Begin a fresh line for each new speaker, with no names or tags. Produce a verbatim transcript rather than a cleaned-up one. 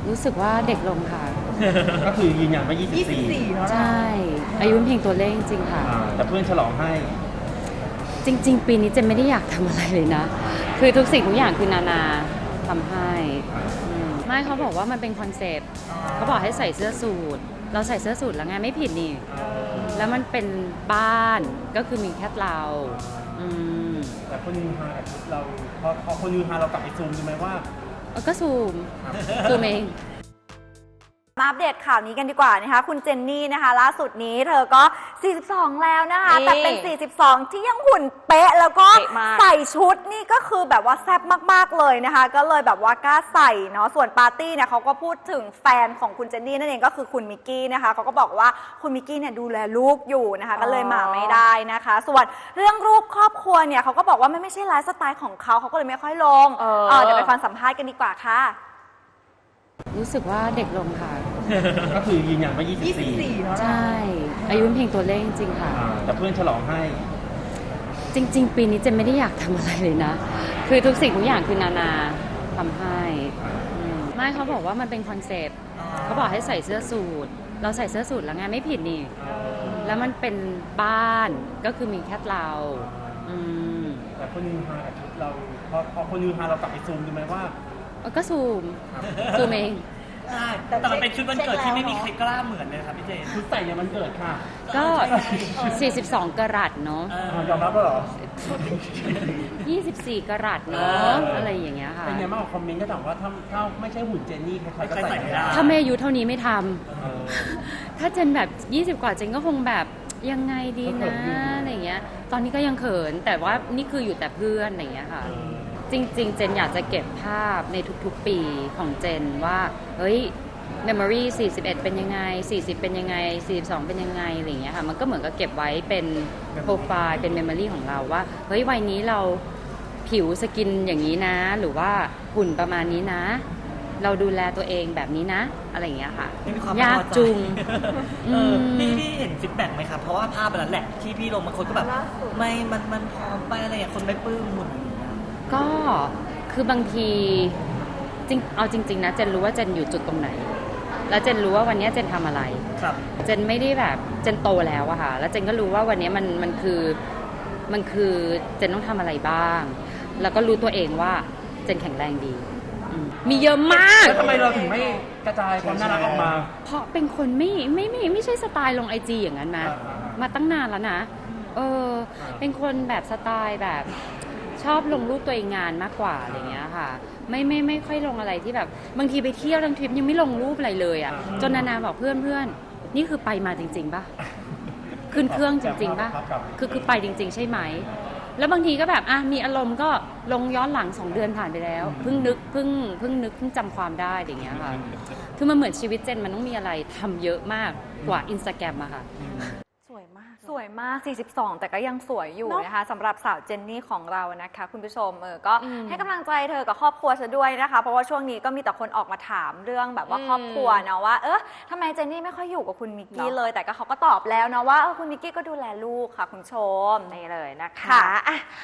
รู้สึกว่าเด็กลงค่ะ
ก็คือยืนยันว่ายี่สิบสี่
ยี่สิบสี่เนาะ
ใช่ อายุเป็นเพียงตัวเลขจริงๆค่ะ
อ่าแต่เพื่อนฉลองให้
จริง ๆ ปีนี้เจนไม่ได้อยากทำอะไรเลยนะ คือทุกสิ่งทุกอย่างคือนานาทำให้อืมไม่เขาบอกว่ามันเป็นคอนเซปต์เขาบอกให้ใส่เสื้อสูทเราใส่เสื้อสูทแล้วไงไม่ผิดนี่ แล้วมันเป็นบ้านก็คือมีแค่เราอืม
แต่คนยืนฮากับชุดเราพอพอคนยืนฮาเรากลับไปซูมดูไหมว่า
เออก็ซูมซูมเอง
มาอัปเดตข่าวนี้กันดีกว่านะคะคุณเจนนี่นะคะล่าสุดนี้เธอก็ สี่สิบสอง แล้วนะคะ
นี่
แต่เป็น สี่สิบสอง ที่ยังหุ่นเป๊ะแล้วก็
เป๊ะมาก
ใส่ชุดนี่ก็คือแบบว่าแซ่บมากๆเลยนะคะ ก็เลยแบบว่ากล้าใส่เนาะส่วนปาร์ตี้เนี่ยเขาก็พูดถึงแฟนของคุณเจนนี่นั่นเองก็คือคุณมิกกี้นะคะเขาก็บอกว่าคุณมิกกี้เนี่ยดูแลลูกอยู่นะคะก็เลยมาไม่ได้นะคะ ส่วนเรื่องรูปครอบครัวเนี่ยเขาก็บอกว่าไม่ไม่ใช่ไลฟ์สไตล์ของเขาเขาก็เลยไม่ค่อยลง
เออ
เออเดี๋ยวไปฟังสัมภาษณ์กันดีกว่าค่ะ
รู้สึกว่าเด็กลงค่ะ
ก็คือยืนยันว่ายี่สิบสี่
เนาะ
ใช่ อายุเป็นเพียงตัวเลขจริงๆค่ะ
อ่าแต่เพื่อนฉลองให้
จริง ๆ ปีนี้เจนไม่ได้อยากทำอะไรเลยนะ คือทุกสิ่งทุกอย่างคือนานาทำให้อืมไม่เขาบอกว่ามันเป็นคอนเซปต์เขาบอกให้ใส่เสื้อสูทเราใส่เสื้อสูทแล้วไงไม่ผิดนี่ แล้วมันเป็นบ้านก็คือมีแค่เราอืม
แต่คนยืนฮากับชุดเราพอพอคนยืนฮาเรากลับไปซูมดูไหมว่า
เออก็ซูมซูมเอง
ใช่แต่มันเป็นชุดวันเกิดที่ไม่มีใครกล้าเหมือนเลยครับพี่เจน
ชุดใส่เนี่ยมันเกิดค่ะ
ก็ สี่สิบสอง กะรัตเนาะ
เออ
อ่ายอมรับแล้วเหรอ
ยี่สิบสี่ กะรัตเนาะอะไรอย่างเงี้ยค่ะ
เป็นไงบ้างคอมเมนต์ก็ถามว่าถ้าถ้าไม่ใช่หุ่นเจนนี่ใครๆก็ใส่ไม่ได้
ถ้าไม่อายุเท่านี้ไม่ทำ
เออ
ถ้าเจนแบบ ยี่สิบ กว่าเจนก็คงแบบยังไงดี
ก็เขิ
นะ
นอยู่
อะไรเงี้ย ตอนนี้ก็ยังเขิน แต่ว่านี่คืออยู่แต่เพื่อนอะไรเงี้ยค่ะ จริง ๆ เจนอยากจะเก็บภาพในทุกๆ ปีของเจนว่า เฮ้ย memory สี่สิบเอ็ด เป็นยังไง สี่สิบ เป็นยังไง สี่สิบสอง เป็นยังไงอะไรเงี้ยค่ะ มันก็เหมือนกับเก็บไว้เป็นโปรไฟล์ เป็น memory ของเราว่า เฮ้ย วัยนี้เราผิวสกินอย่างนี้นะ หรือว่าหุ่นประมาณนี้นะ เราดูแลตัวเองแบบนี้นะ อะไรอย่างเงี้ยค่ะ
ไม่มีความ
ยาก
พอใจ
จุง
เออ
ม
พี่พี่เห็นฟีดแบ็กไหมครับ เพราะว่าภาพนั้นแหละที่พี่ลงบางคนก็แบบ ไม่ มัน มันพร้อมไปอะไรอย่างคนไม่ปลื้มหุ่นอย่างเงี้ย
ก็คือบางทีจริงเอาจริง ๆ นะเจนรู้ว่าเจนอยู่จุดตรงไหน แล้วเจนรู้ว่าวันนี้เจนทำอะไร
ครับ
เจนไม่ได้แบบเจนโตแล้วอะค่ะแล้วเจนก็รู้ว่าวันนี้มันมันคือมันคือเจนต้องทำอะไรบ้าง แล้วก็รู้ตัวเองว่าเจนแข็งแรงดีอืมมีเยอะมาก
แล้วทำไมเราถึงไม่กระจายความน่ารักออกมา
เพราะเป็นคนไม่ไม่ไม่ไม่ใช่สไตล์ลงไอจีอย่างนั้นนะ
อ่าอ่าอ่าม
มาตั้งนานแล้วนะ เออ เป็นคนแบบสไตล์แบบชอบลงรูปตัวเองงานมากกว่าอะไรเงี้ยค่ะ ไม่ไม่ไม่ค่อยลงอะไรที่แบบบางทีไปเที่ยวทั้งทริปยังไม่ลงรูปอะไรเลยอ่ะจนนานาบอกเพื่อนเพื่อนนี่คือไปมาจริง ๆป่ะขึ้นเครื่องจริง ๆป่ะคือคือไปจริง ๆ ใช่ไหม แล้วบางทีก็แบบอ่ะมีอารมณ์ก็ลงย้อนหลังสองเดือนผ่านไปแล้วเพิ่งนึกเพิ่งเพิ่งนึกเพิ่งจำความได้อย่างเงี้ยค่ะคือมันเหมือนชีวิตเจนมันต้องมีอะไรทำเยอะมากกว่าอินสตาแกรมอะค่ะ
สวยมาก สวยมาก สี่สิบสอง แต่ก็ยังสวยอยู่นะคะสำหรับสาวเจนนี่ของเรานะคะคุณผู้ชมเออก็ให้กำลังใจเธอกับครอบครัวเธอด้วยนะคะ เพราะว่าช่วงนี้ก็มีแต่คนออกมาถามเรื่องแบบว่าครอบครัวเนาะว่าเออทำไมเจนนี่ไม่ค่อยอยู่กับคุณมิกกี้เลย แต่ก็เขาก็ตอบแล้วนะว่าเออคุณมิกกี้ก็ดูแลลูกค่ะคุณผู้ชมนี่เลยนะคะอ่ะ